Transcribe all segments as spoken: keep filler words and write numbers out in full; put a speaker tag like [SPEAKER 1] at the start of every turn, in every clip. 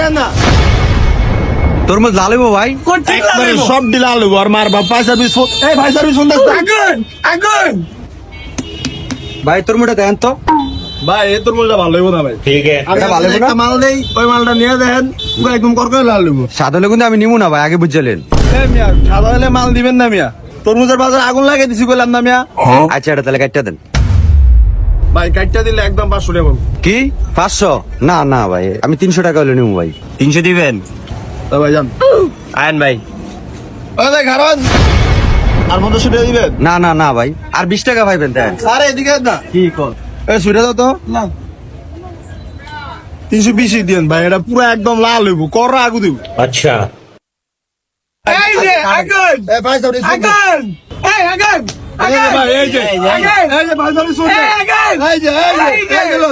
[SPEAKER 1] দেখেন না
[SPEAKER 2] তরমুজ লাল হইবো ভাই?
[SPEAKER 1] একবারে সব ডিলা লইব আর মার বাপ ভাই সার্ভিস ফোন এই ভাই সার্ভিস ফোন দেখতে আগুন আগুন
[SPEAKER 2] ভাই তরমুজটা দেন তো।
[SPEAKER 1] ভাই এই তরমুজটা ভালো হইব না ভাই
[SPEAKER 3] ठीक है
[SPEAKER 1] আমি
[SPEAKER 2] ভালো হইবো না?
[SPEAKER 1] একটা মাল দেই ওই মালটা নিয়ে দেখেন পুরো একদম করকরে লাল হইব
[SPEAKER 2] সাদা হলে কিন্তু আমি নিবো না ভাই, আগে বুঝলেন।
[SPEAKER 1] এই মিয়া সাদা হলে মাল দিবেন না মিয়া তরমুজের বাজারে আগুন লাগিয়ে দিছি কইলাম না মিয়া
[SPEAKER 2] আচ্ছা এটা তাহলে কাটটা দেন।
[SPEAKER 1] ভাই কাটটা দিলে একদম পাঁচশো টাকা পাবো
[SPEAKER 2] কি পাঁচশো? না না ভাই, আমি তিনশো টাকা হলে নিবো ভাই।
[SPEAKER 3] তিনশো দিবেন?
[SPEAKER 1] তো ভাই যান
[SPEAKER 3] আয়ন ভাই
[SPEAKER 1] ওই ভাই কারণ আর পঞ্চাশ টাকা দিবেন
[SPEAKER 2] না না না ভাই, আর বিশ টাকা পাইবেন দেন।
[SPEAKER 1] আরে এদিকে না
[SPEAKER 2] কি কর?
[SPEAKER 1] এই সুইটা দাও তো না তিনশো বিশই দিন ভাই এটা পুরো একদম লাল হইব কররা আগু দিব
[SPEAKER 3] अच्छा
[SPEAKER 1] এই যে আগুন এই ভাই সার্ভিস আগুন এই আগুন আগুন ভাই এই যে আগুন এই যে ভাই সার্ভিস শুনতে এই আগুন এই যে এই যে এই গেল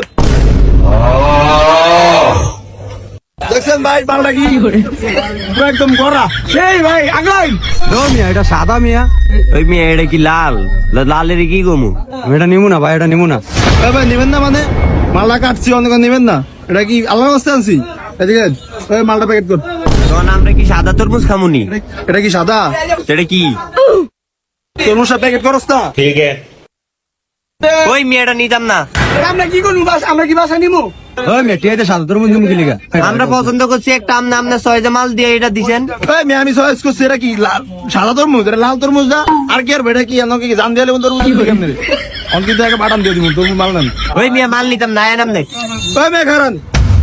[SPEAKER 1] দেখছেন ভাই বালটা কি পুরো একদম কররা সেই ভাই আগুন
[SPEAKER 2] নো মিয়া, এটা সাদা মিয়া।
[SPEAKER 3] ওই মেয়ে এটা কি লাল লালের কি গমু?
[SPEAKER 2] আমি এটা নিবো না ভাই, এটা নিবো না।
[SPEAKER 1] এই ভাই নেবেন না মানে মালটা কাটছি অনেক নেবেন না এটা কি আল্লাহ রাস্তায় আনছি এদিকে এই মালটা প্যাকেট কর
[SPEAKER 3] তখন আমরা কি সাদা তরমুজ খামুনি?
[SPEAKER 1] এটা কি সাদা
[SPEAKER 3] সেটা কি?
[SPEAKER 1] তরমুজটা প্যাকেট করস না
[SPEAKER 3] ठीक है ওই মেয়েটা নিতাম না।
[SPEAKER 1] আমরা কি করবো বাস আমরা কি বাসা নিবো
[SPEAKER 2] ওই মিয়া টিয়াতে সাদা তরমুজ নিবো কি লিগা?
[SPEAKER 3] আমরা পছন্দ করছি একটা আমনা আমনা ছয় যে মাল দিয়ে এটা দিছেন।
[SPEAKER 1] এই মেয়ে আমি চয়েস করছি এটা কি লাল সাদা তরমুজ এটা লাল তরমুজ না আর কি আর এটা কি এনো কি জান দিয়ে লেবুন তরমুজ কি কেমনে অন কিন্তু একটা বাটাম দিয়ে দিব তরমুজ মাল নেন
[SPEAKER 3] ওই মেয়ে মাল নিতাম না আয়ন আমনে
[SPEAKER 1] ওই মেয়ে খারান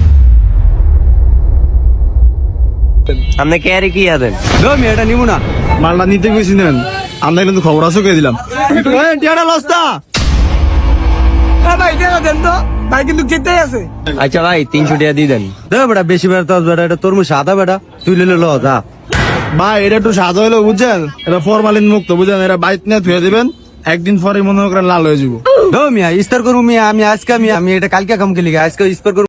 [SPEAKER 3] আমনে কে আরে কি আছেন?
[SPEAKER 2] নো মিয়া, এটা নিবো না।
[SPEAKER 1] মালটা নিতে গেছি নেন আমরা কিন্তু খবর আছে কে দিলাম এই টিয়াটা লস্তা ভাই টিয়াটা দেন তো ভাই কিন্তু জিততে আছে
[SPEAKER 3] আচ্ছা ভাই তিনশো টাকা দিয়ে দেন।
[SPEAKER 2] দে বেটা, বেশি বেড়া তো বেটা, এটা তরমুজ সাদা বেটা, তুই লে লো যা।
[SPEAKER 1] ভাই এটা একটু সাদা হলো বুঝছেন এটা ফরমালিন মুক্ত বুঝছেন এটা বাইক নিয়ে ধুয়ে দিবেন একদিন পরে মনে করেন লাল হয়ে যাবো
[SPEAKER 2] নো মিয়া, ইস্তার করবো মিয়া, আমি আজকে আমি আমি এটা কালকে কাম কে লিগা, আজকে ইস্তার করবো।